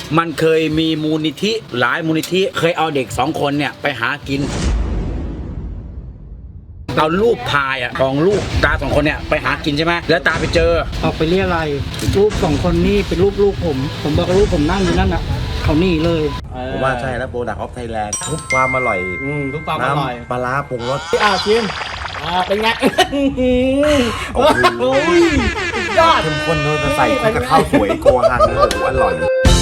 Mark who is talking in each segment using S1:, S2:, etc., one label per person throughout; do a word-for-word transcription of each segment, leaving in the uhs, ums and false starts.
S1: มันเคยมีมูลนิธิหลายมูลนิธิเคยเอาเด็กสองคนเนี่ยไปหากินเอารูปถ่ายอ่ะของลูกตาสองคนเนี่ยไปหากินใช่ไหมแล้วตาไปเจอ
S2: ออกไปเรียอะไรรูปสองคนนี่เป็นรูปลูกผมผมบอกรูปผมนั่งอยู่นั่นอ่ะเขานี่เลย
S3: ผมว่าใช่แล้วโปรดักต์ออฟไทยแลนด์ทุกความอร่อย
S2: ทุกความอร่อย
S3: ปลาร้าปรุงรส
S2: อ่ะชิมอ่าเป็นไง
S3: โอ้โห
S2: ยอด
S3: เข้มข้นด้วยใส่กับข้าวสวยโกฮังโอ้โหอร่อย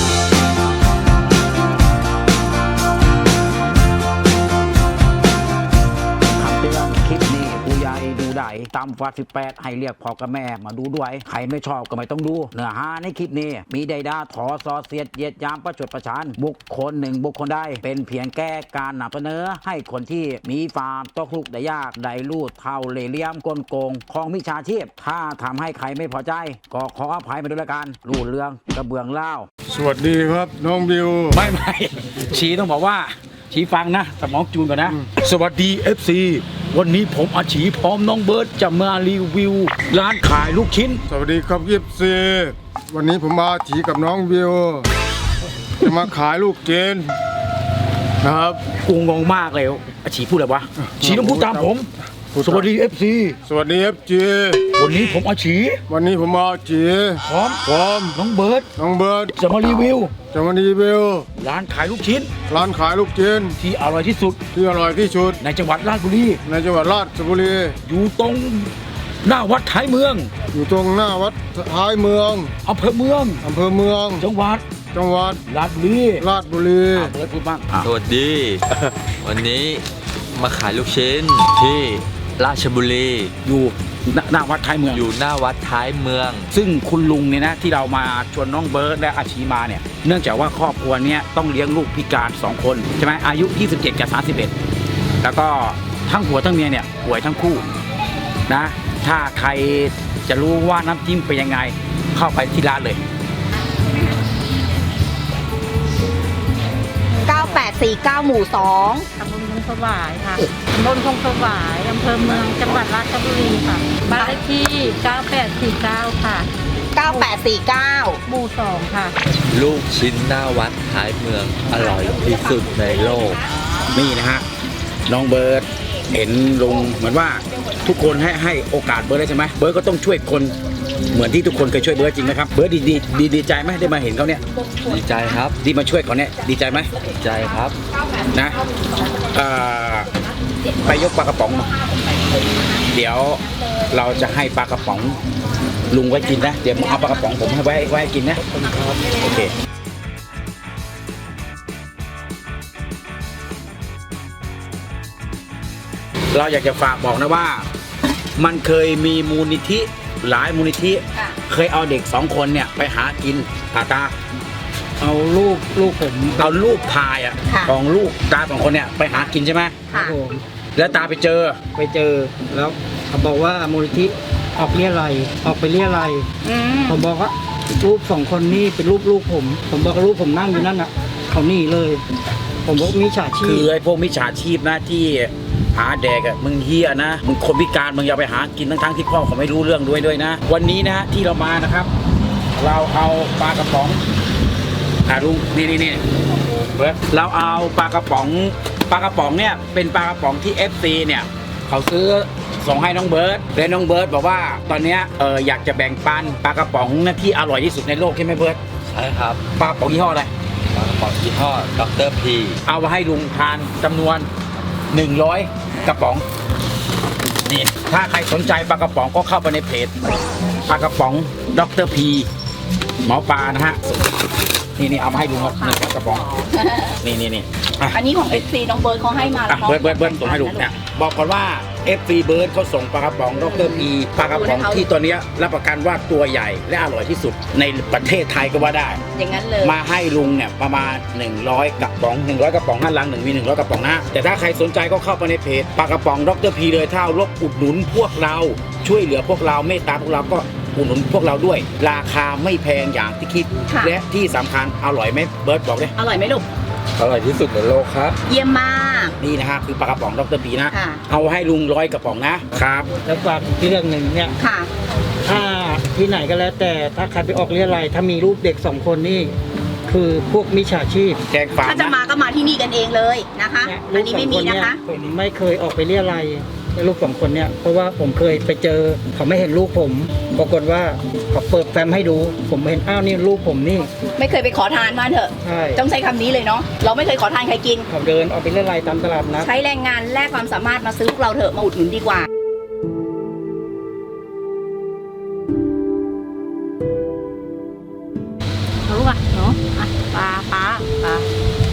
S1: คลิปนี้ผู้ใหญ่ดูได้ตามฟาสิบแปดให้เรียกพ่อกับแม่มาดูด้วยใครไม่ชอบก็ไม่ต้องดูเนื้อหาในคลิปนี้มีใดดาถอซอเสียดเยียดยามประจดประชานบุคคลหนึ่งบุคคลใดเป็นเพียงแก้การนำเสนอให้คนที่มีฟาร์มตกลุกได้ยากได้ลูดเท่าเล่ห์เหลี่ยมกลโกงของมิจฉาชีพถ้าทำให้ใครไม่พอใจก็ขออภัยมาด้วยละกันรูดเรื่องกระเบื้องเล่า
S4: สวัสดีครับน้องบิว
S1: ไม่ไม่ชี้ต้องบอกว่าชี้ฟังนะสมองจูนก่อนนะสวัสดี เอฟ ซี วันนี้ผมอาชีพร้อมน้องเบิร์ดจะมารีวิวร้านขายลูกชิ้น
S4: สวัสดีครับยิบซีวันนี้ผมมาถีกับน้องบิวจะมาขายลูกเจนนะครับ
S1: กูงงมากเลยอาชีพูดอะไรวะชีต้องพูดตามผมสวัสดี เอฟ ซี
S4: สวัสดีเอฟจี
S1: วันนี้ผมอาชี
S4: วันนี้ผมมาถี
S1: พร้อม
S4: พร้อม
S1: น้องเบิร์ด
S4: น้องเบิร์ด
S1: จะมารีวิว
S4: จะมารีวิว
S1: ร้านขายลูกชิ้น
S4: ร้านขายลูกเจน
S1: ที่อร่อยที่สุด
S4: ที่อร่อยที่สุด
S1: ในจังหวัดราชบุรี
S4: ในจังหวัดราชบุรี
S1: อยู่ตรงหน้าวัดท้ายเมือง
S4: อยู่ตรงหน้าวัดท้ายเมือง
S1: อำเภอเมือง
S4: อำเภอเมือง
S1: จังหวัด
S4: จังหวัด
S1: ราชบุรี
S4: ราชบุรี
S1: เบิร์ดพูดบ้าง
S5: สวัสดี วันนี้มาขายลูกชิ้นที่ราชบุรี
S1: อยู่หน้าวัดท้ายเมือง
S5: อยู่หน้าวัดท้ายเมือง
S1: ซึ่งคุณลุงเนี่ยนะที่เรามาชวนน้องเบิร์ดและอาชีมาเนี่ยเนื่องจากว่าครอบครัวนี้ต้องเลี้ยงลูกพิการสองคนใช่ไหมอายุยี่สิบเจ็ดกับสามสิบเอ็ดแล้วก็ทั้งผัวทั้งเมียเนี่ยป่วยทั้งคู่นะถ้าใครจะรู้ว่าน้ำจิ้มเป็นยังไงเข้าไปที่ร้านเลย
S6: เก้าแปดสี่เก้าหมู่สอง
S7: ตำบลคงสวายค่ะตำบลคงสวายอำเภอเมืองจังหวัดราชบุรีค่ะบ้านเลขที่เก้าแปดสี่เก้าค่ะ
S6: เก้าแปดสี่เก้า
S7: หมู่สองค่ะ
S5: ลูกชิ้นหน้าวัดท้ายเมืองอร่อยที่สุดในโลก
S1: นี่นะฮะน้องเบิร์ดเห็นลุงเหมือนว่าทุกคนให้ให้โอกาสเบิร์ดได้ใช่ไหมเบิร์ดก็ต้องช่วยคนเหมือนที่ทุกคนเคยช่วยเบิร์ดจริงไหมครับเบิร์ดดีดีดีดีใจไหมได้มาเห็นเขาเนี่ย
S5: ดีใจครับ
S1: ที่มาช่วยเขาเนี่ยดีใจไหม
S5: ดีใจครับ
S1: นะไปยกปลากระป๋องมาเดี๋ยวเราจะให้ปลากระป๋องลุงไว้กินนะเดี๋ยวเอาปลากระป๋องผมให้ไว้ไว้กินนะโอเคเราอยากจะฝากบอกนะว่ามันเคยมีมูลนิธิหลายมูลนิธิเคยเอาเด็กสองคนเนี่ยไปหากินตาตา
S2: เอาลูกลูกผม
S1: เอารูปถ่ายอ่ะของลูกตาสองคนเนี่ยไปหากินใช่ไหม
S2: ครับผม
S1: แล้วตาไปเจอ
S2: ไปเจอแล้วเขาบอกว่ามูลนิธิออกเรียอะไรออกไปเรียอะไรผมบอกว่ารูปสองคนนี่เป็นรูปลูกผมผมบอกรูปผมนั่งอยู่นั่นอ่ะเขานี่เลยผมบอกมิจฉาชีพ
S1: คือไอ้พวกมิจฉาชีพนะที่หาแดกอ่ะมึงเฮียนะมึงคนพิการมึงอย่าไปหากินทั้งๆที่พ่อเขาไม่รู้เรื่องด้วยด้วยนะวันนี้นะที่เรามานะครับเราเอาปลากระป๋องอ่าลุงนี่นี่นี่เบิร์ดเราเอาปลากระป๋องปลากระป๋องเนี่ยเป็นปลากระป๋องที่ เอฟ ซี เนี่ยเขาซื้อส่งให้น้องเบิร์ดและน้องเบิร์ดบอกว่าตอนนี้เอออยากจะแบ่งปันปลากระป๋องนะที่อร่อยที่สุดในโลกใช่ไหมเบิร์ด
S5: ใช่ครับ
S1: ปลากระป๋องยี่ห้ออะไร
S5: ปลากระป๋องยี่ห้อด็อกเตอร์พี
S1: เอามาให้ลุงทานจำนวนหนึ่งร้อยกระป๋องนี่ถ้าใครสนใจปลากระป๋องก็เข้าไปในเพจปลากระป๋องด็อกเตอร์พีหมอปลานะฮะนี่นี่เอามาให้ลุงครับหนึ่งกระป๋องนี่นี่นี่
S6: อันนี้ของ เอฟ ซี น้องเบิร์ดเขาให้มาแล้ว
S1: เบิร์ดเบิร์ดเบิร์ดส่งให้ลุงเนี่ยบอกก่อนว่า เอฟ ซี เบิร์ดเขาส่งปลากระป๋องด็อกเตอร์พีปลากระป๋องที่ตัวนี้รับประกันว่าตัวใหญ่และอร่อยที่สุดในประเทศไทยก็ว่าได้
S6: อย่างนั้นเลย
S1: มาให้ลุงเนี่ยประมาณหนึ่งร้อยกระป๋องหนึ่งร้อยกระป๋องด้านหลังหนึ่งมีหนึ่งร้อยกระป๋องนะแต่ถ้าใครสนใจก็เข้าไปในเพจปลากระป๋องด็อกเตอร์พีเลยถ้ารบอุดหนุนพวกเราช่วยเหลือพวกเราเมตตาพวกเราก็อุดหนุนพวกเราด้วยราคาไม่แพงอย่างที่คิดและที่สำคัญอร่อยไหมเบิร์ดบอกเลย
S6: อร่อยไหมลูก
S5: อร่อยที่สุดในโลกครับ
S6: เยี่ยมมาก
S1: นี่นะฮะคือปลากระป๋องด็อกเตอร์พีนะเอาให้ลุงร้อยกระป๋องนะครับ
S2: แล้วฝากที่เรื่องหนึ่งเนี่ยถ้าที่ไหนก็แล้วแต่ถ้าใครไปออกเรียอะไรถ้ามีรูปเด็กสองคนนี่คือพวกมิจฉาชีพ
S1: แจ้งความ
S6: ถ้าจะ
S1: นะ
S6: มาก็มาที่นี่กันเองเลยนะคะ
S2: เนี่ย
S6: อันนี้ไม่มีนะคะ
S2: ผมไม่เคยออกไปเรียอะไรยลูกสองคนเนี่ยเพราะว่าผมเคยไปเจอเขาไม่เห็นลูกผมปรากฏว่าเขาเปิดแฟ้มให้ดู ผมเห็นอ้าวนี่ลูกผมนี่
S6: ไม่เคยไปขอทานมาเถอะ
S2: ใช่
S6: ต้องใช้คำนี้เลยเนาะเราไม่เคยขอทานใครกิน
S2: เขาเดินออกไปเรียอะไรยตามตลาดนัด
S6: ใช้แรงงานแลกความสามารถมาซื้อพวกเราเถอะมาอุดหนุนดีกว่า
S7: รู้ป่ะเนาะอ่ะปลาปลาปลา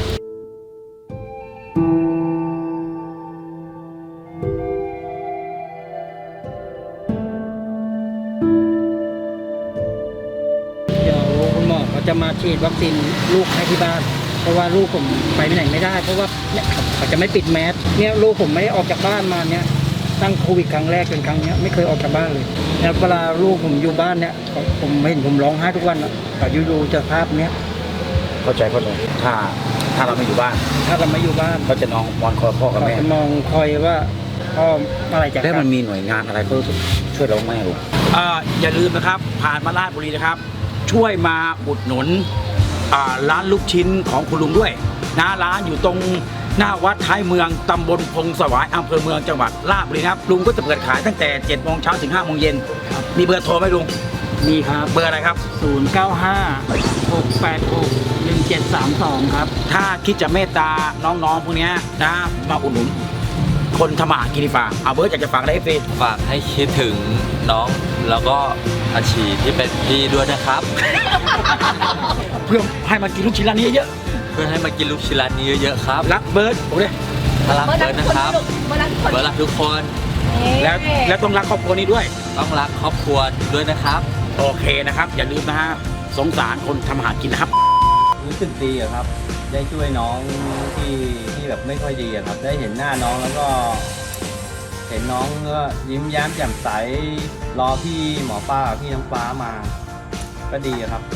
S2: เดี๋ยวคุณหมอเขาจะมาฉีดวัคซีนลูกให้ที่บ้าน เพราะว่าลูกผมไปไหนไม่ได้ เพราะว่าเนี่ยเขาจะไม่ปิดแมสเนี่ยลูกผมไม่ได้ออกจากบ้านมาเนี่ยตั้งโควิดครั้งแรกเป็นครั้งเนี้ยไม่เคยออกจากบ้านเลยแล้วเวลาลูกผมอยู่บ้านเนี่ยเขาผมเห็นผมร้องไห้ทุกวันอ่ะแต่อยู่ๆเจอภาพเนี้ย
S1: เข้าใจเข้าใจถ้าถ้าเราไม่อยู่บ้าน
S2: ถ้าเราไม่อยู่บ้าน
S1: เขาจะนอนมอนคอพ่อกับ
S2: เขา
S1: แม่
S2: จะมองคอยว่าพ่ออะไรจะ
S1: แล้วมันมีหน่วยงานอะไรเขาช่วยเราไหมลูกอ่าอย่าลืมนะครับ ผ่านมาราชบุรีนะครับ ช่วยมาอุดหนุนอ่าร้านลูกชิ้นของคุณลุงด้วยนะร้านอยู่ตรงหน้าวัดท้ายเมืองตำบลพงสวายอำเภอเมืองจังหวัดราชบุรีนะครับลุงก็จะเปิดขายตั้งแต่เจ็ดโมงเช้าถึงห้าโมงเย็นมีเบอร์โทรไหมลุง
S2: มีครับ
S1: เบอร์อะไรครับ
S2: ศูนย์ เก้า ห้า หก แปด หก หนึ่ง เจ็ด สาม สองครับ
S1: ถ้าคิดจะเมตตาน้องๆพวกเนี้ยนะมาอุดหนุนคนทำมาหากินดีฝ่าเอาเบิร์ดอยากจะฝากอะไรให้เฟซ
S5: ฝากให้คิดถึงน้องแล้วก็อาชีที่เป็นพี่ด้วยนะครับ
S1: เพื่อให้มากินลูกชิ้นร้านนี้เยอะ
S5: เพื่อให้มากินลูกชิ้นร้านนี้เยอะๆครับ
S1: ๆรักเบิร์ดโอ้ย
S5: ถ้ารักเบิร์ดนะครับ
S6: เบอร์รักทุกคน
S5: เบิร์ดรักทุกคน
S1: แล้วแล้วต้องรักครอบครัวนี้ด้วย
S5: ต้องรักครอบครัวด้วยนะครับ
S1: โอเคนะครับ อย่าลืมนะฮะสงสารคนทำอาหารกินนะครับ
S8: รู้สึกดีอะครับ ได้ช่วยน้องที่ที่แบบไม่ค่อยดีอะครับ ได้เห็นหน้าน้องแล้วก็ เห็นน้องก็ยิ้มแย้มแจ่มใส รอพี่หมอป้าพี่น้องฟ้ามา ก็ดีอะครับ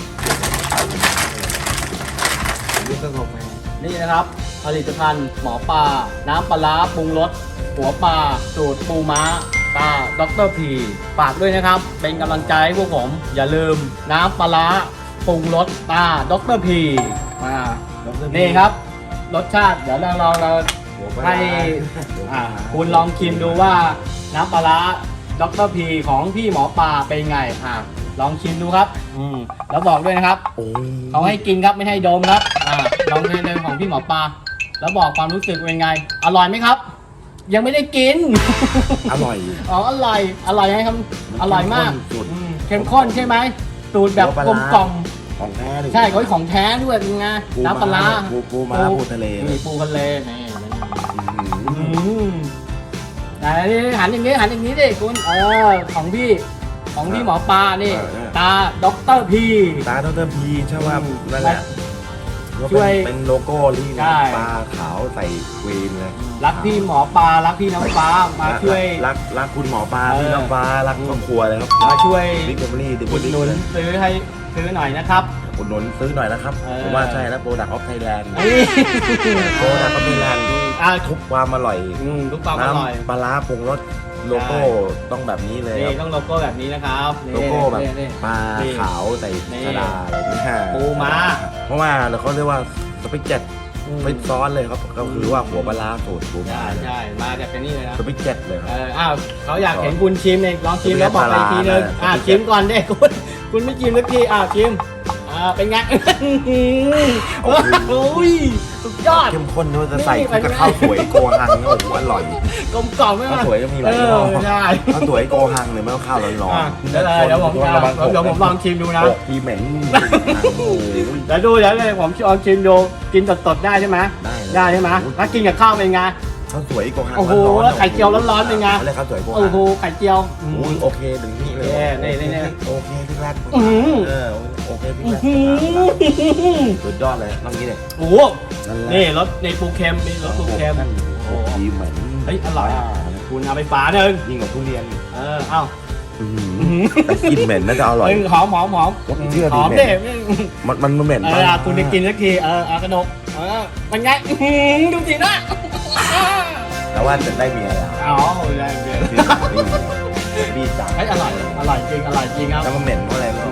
S8: นี่ก็งงนี่นะครับ ผลิตภัณฑ์หมอปลาน้ำปลาร้าปรุงรสหัวปลาสูตรปูม้าตาด็อกเตอร์พีฝากด้วยนะครับ เป็นกำลังใจให้พวกผม อย่าลืมน้ำปลาร้าปรุงรสตาด็อกเตอร์พีมานี่ครับ รสชาติเดี๋ยวเราเราเราให้อ่าคุณลองชิมดูว่าน้ำปลาร้าด็อกเตอร์พีของพี่หมอปลาเป็นไงอ่าลองชิมดูครับอืมแล้วบอกด้วยนะครับเขาให้กินครับไม่ให้ดมครับอ่าลองในๆของพี่หมอปลาแล้วบอกความรู้สึกเป็นไง อร่อยไหมครับ ยังไม่ได้กิน
S3: อร่อย
S8: อ๋ออร่อยอร่อยไหมครับอร่อยมาก
S3: สุด
S8: อืมเข้มข้นใช่ไหมสูตรแบบกลมกล่อม
S3: ของแท้เลย
S8: ใช่เขาของแท้ด้วยเป็นไงน้ำปลาร้า
S3: ปูปูม้าปูทะเล
S8: นี่ปูทะเลนี่
S3: อื้อหือ
S8: อืมไหนหันอย่างนี้หันอย่างนี้ดิคุณเออของพี่ของพี่หมอปลานี่ตาด็อกเตอร์พี
S3: ตาดรพีใช่ว่า
S8: อืม
S3: นั่นแหละ
S8: ช่วย
S3: เป็นโลโก้ที่
S8: ใช่
S3: ปลาขาวใส่ควีนเลย
S8: รักพี่หมอปลารักพี่น้องฟ้ามาช่วย
S3: รักรักคุณหมอปลา
S8: เออ
S3: พี่น้องฟ้ารักครอบครัวเลยครับ
S8: มาช่วย
S3: บิ๊กแฟมิลี่ดิ
S8: อุดหนุนซื้อให้ซื้อหน่อยนะครับ
S3: อุดหนุนซื้อหน่อยนะครับ
S8: เออ
S3: ผมว่าใช่แล้วโปรดักต์ออฟไทยแลนด์
S8: นี่
S3: โปรดักต์ออฟไทยแลนด์ที่
S8: อ่ะ
S3: ทุกความอร่อย
S8: อืมทุกความอร่อย
S3: น้ำปลาร้าปรุงรสโลโก้ต้องแบบนี้เลย
S8: นี่
S3: ครับ
S8: ต้องโลโก้แบบนี้นะครับนี่
S3: โลโก้แบบ
S8: นี่นี่
S3: ปลา
S8: นี่
S3: ขาวใส่
S8: นี่
S3: ชะดาอะไรนี่ฮะ
S8: ปูม้า
S3: เพราะว่าเราเขาเรียกว่าสปิกเจ็ต
S8: อืม
S3: เป็นซอสเลยครับก็คือว่าหัวปลาร้าสูตรปูม้า
S8: ใช่ใช่มาจากเป็นนี่เลยนะ
S3: สปิกเจ็ตเลยค
S8: เอ
S3: รับ
S8: ออ้าวเขาอยากเห็นคุณชิมเองลองชิมแล้วบอกไปอีกทีนึง
S3: ปลาร้า
S8: อ่ะ
S3: นะ
S8: ชิมก่อนเด้คุณคุณไม่ชิมสักทีอ่ะชิมอ่าเป็นไง โอ้ยสุดยอด
S3: เข้มข้นด้วยจะใส่
S8: นี่
S3: กับข้าวสวยโกหังเนี่ยโอ้โหอร่อย
S8: กลมกล่อมไหม
S3: ข้าว
S8: ล่ะ
S3: สวยก็มีห
S8: เอ
S3: ลายยี่ห้อ
S8: อใช่
S3: ข้าวสวยโกหังหรือไม่ก็ข้าวร้อน
S8: อ่ะ
S3: ๆ
S8: เดี๋ยวเลยเดี๋ยวผมจะ
S3: ระวัง
S8: เดี๋ยวผมลองชิมดูนะ
S3: โกทีเหม็นโอ้โห
S8: เดี๋ยวดูเดี๋ยวเลยผมลองชิมดูกินสดๆได้ใช่ไหม
S3: ได้เลย
S8: ได้ใช่ไหมถ้ากินกับข้าวเป็นไง
S3: ข้าวสวยโกหัง
S8: โอ้โห
S3: ร้นๆ
S8: แล้วไข่เจียวร้อนๆเป็นไง
S3: อะไรข้าวสวยโกหัง
S8: โอ้โหไข่เจียว
S3: โอ้ยโอเคถึงนี่เลย
S8: นี่นี่นี่
S3: โอเคพี่แรก
S8: อื้อหือ
S3: เออโอเคพี่
S8: อื้
S3: แร
S8: อก หือ
S3: สุดยอดเลยต้องนี้เลย
S8: โอ้โห
S3: นั่นแหละ
S8: นี่รสในปูเค็มนี่รสปูเค็ม
S3: นั่น
S8: โอ้
S3: โอ้
S8: โห
S3: ทีเหม็น
S8: เฮ้ยอร่อยคุณเอาไปฝาหนึ่ง
S3: ยิ่งกว่าทุเรียน
S8: เออเอ้า
S3: อื้อหือแต่กลินเหม็นน่าจะอร่อย
S8: เฮ้ยหอมหอมหอม
S3: เชื่อ
S8: ห
S3: ดิ
S8: อม
S3: เหม็
S8: เด็
S3: น มันมันมันเหม็น
S8: เอ
S3: ปะ
S8: อคุณได้กินสักทีเออเอากระดกเออเป็นไงอื้อหือดูสินะ
S3: แต่ว่าจะได้เมียแล้ว
S8: อ๋อได้เดี๋ยว
S3: พี่จ๋า
S8: เฮ้ยอร่อยอร่อยจริงอร่อยจริงครับ
S3: แล้วมันเหม็นเพราะอะไรรู้